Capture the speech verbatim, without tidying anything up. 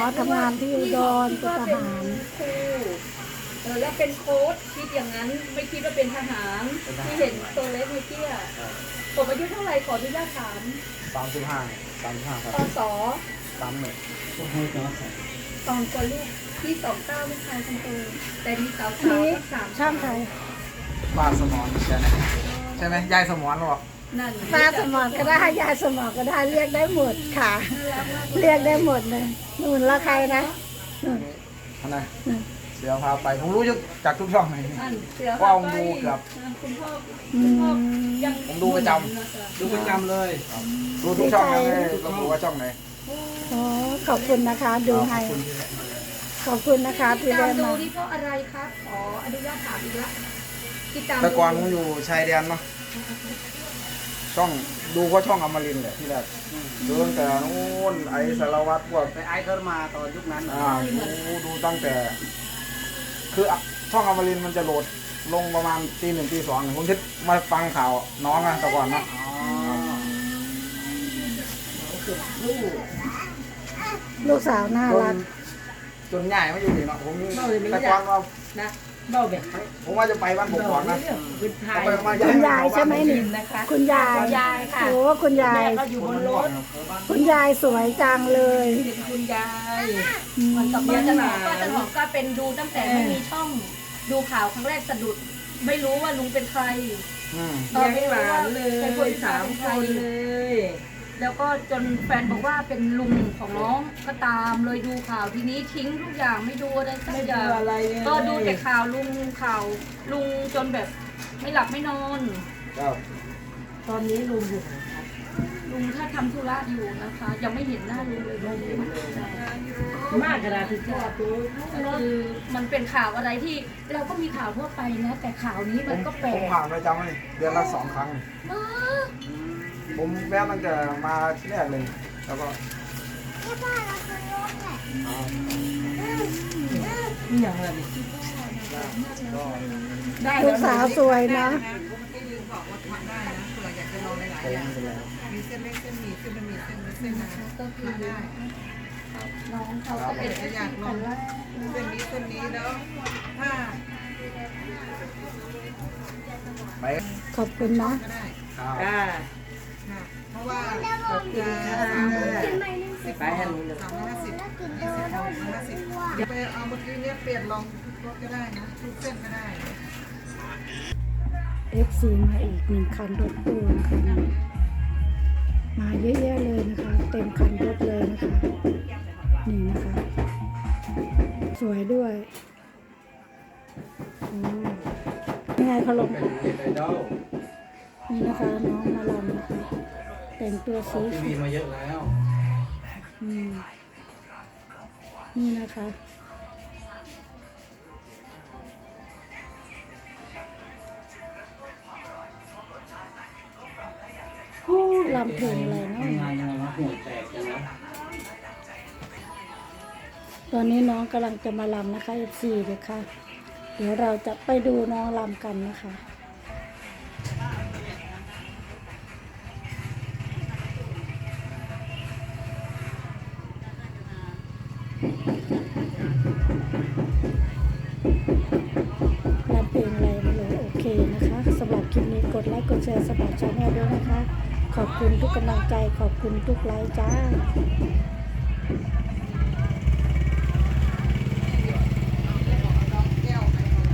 ทำงานที่อุดรเป็นทหารครูเออแล้วเป็นโค้ชคิดอย่างนั้นไม่คิดว่าเป็นทหารที่เห็นตัวเล็กไม่เที่ยผมอายุเท่าไหร่ขออนุญาตถามสามสิบห้าสามสิบห้าครับปศสามหนึ่งตอนตัวลูกที่สองเก้าลูกชายคนโตแต่มีสาวสาวสามช่างไทยป้าสมอนใช่ไหมใช่ไหมยายสมอนหรอนั่นป้าสมอนก็ได้ยายสมอนก็ได้เรียกได้หมดค่ะ เรียกได้หมดเลยนู่นละใครนะนู่นอะไรนู่นเสือพาไปผมรู้จากทุกช่องเลยนั่นเสือว่าผมดูเกือบคุณพ่ออืคุณพ่อมยังผมดูประจดูประจำเลยดูทุกช่องเลยเราดูว่าช่องไหนอ๋อขอบคุณนะคะ ดูให้ขอบคุณนะคะที่ตาได้มดูมานี่เพราะอะไรครับขออนุญาตถามอีกละที่ตามแต่ก่อนผมอยู่ชายแดนเนาะช่องดูเพราะช่องอมรินทร์แหละที่แรกดูตั้งแต่นู้นไอ้สารวัตรพวกไปไอ้เขามาตอนยุคนั้นอ่าดูดูตั้งแต่ คือช่องอมรินทร์มันจะโหลดลงประมาณตีหนึ่งตีสองผมคิดมาฟังข่าวน้องอะแต่ก่อนเนาะลูกสาวน่าจรันกจนใหญ่ไม่อยู่นี่เนาะผมแต่ก่อนว่านะเบ้าแบบผมว่าจะไปบ้านผมก่อนนะคุณไทเอายไปมาคุณยายใช่ไหมนี่นะคะคุณยายยายค่ะโอ้คุณยายแม่ก็อยู่บนรถคุณยายสวยจังเลยเป็นคุณยายอืมมันกับป้าจันหอมป้าจันหอมก็เป็นดูตั้งแต่ไม่มีช่องดูข่าวครั้งแรกสะดุด ไม่รู้ว่าลุงเป็นใครอืมเลี้ยงหลานเลยสามคนเลยแล้วก็จนแฟนบอกว่าเป็นลุงของน้องก็ตามเลยดูข่าวทีนี้ทิ้งทุกอย่างไม่ดูอะไรสักไม่อดูย่างอะไรเลยก็ดูแต่ข่าวลุงข่าวลุงจนแบบไม่หลับไม่นอนครับตอนนี้ลุงอยู่ไหนครับลุงถ้าทำธุระอยู่นะคะ ยังไม่เห็นหน้าลุงเลยลุงมากกระดาษถึงจะตัวคือมันเป็นข่าวอะไรที่เราก็มีข่าวทั่วไปนะแต่ข่าวนี้ผมันมก็แปลผมกผ่านประจำเลยเดือนละสองครั้งมากผมแวะตั้งแต่มาที่แรกเลย แล้วก็นี่อย่างไรดิก็ได้ลูแล้วกสาวสวยนะผมไปแล้วมีเส้นเล็กเส้นหมี่เส้นบะหมี่เส้นเล็กเส้นน้ำก็คือได้น้องเขาก็เป็นถ้าอยากลองเส้นนี้เส้นนี้แล้วถ้าไปขอบคุณนะก็ได้ครับค่ะค่ะเพราะว่าขอบคุณจะค่ะสามร้อยสิบไปให้ลุงเลยสามร้อยห้าสิบนี่สิบสามร้อยห้าสิบเดี๋ยวไปเอาเมื่อกี้เนี่ยเปลี่ยนลองรถก็ได้นะทุกเส้นก็ได้เอฟซีมาอีกหนึ่งคันรถตู้นะคะมาเยอะแยะเลยนะคะ เต็มคันรถเลยนะคะ นี่นะคะ สวยด้วยโอ้ยังไงเขาลงนี่นะคะ น้องมาลำนะคะ แต่งตัวสีทีวีมาเยอะแล้วอืมนี่นะคะลำเพลงอะไรเนาะงานยังไงวะหัวแตกยังไงตอนนี้น้องกำลังจะมาลำนะคะ เอฟ ซี เลยค่ะ เดี๋ยวเราจะไปดูน้องลำกันนะคะลำเพลงอะไรไม่รู้โอเคนะคะสำหรับคลิปนี้กดไลค์กดแชร์สำหรับชาแนลด้วยนะคะ ขอบคุณทุกกำลังใจขอบคุณทุกไลค์จ้า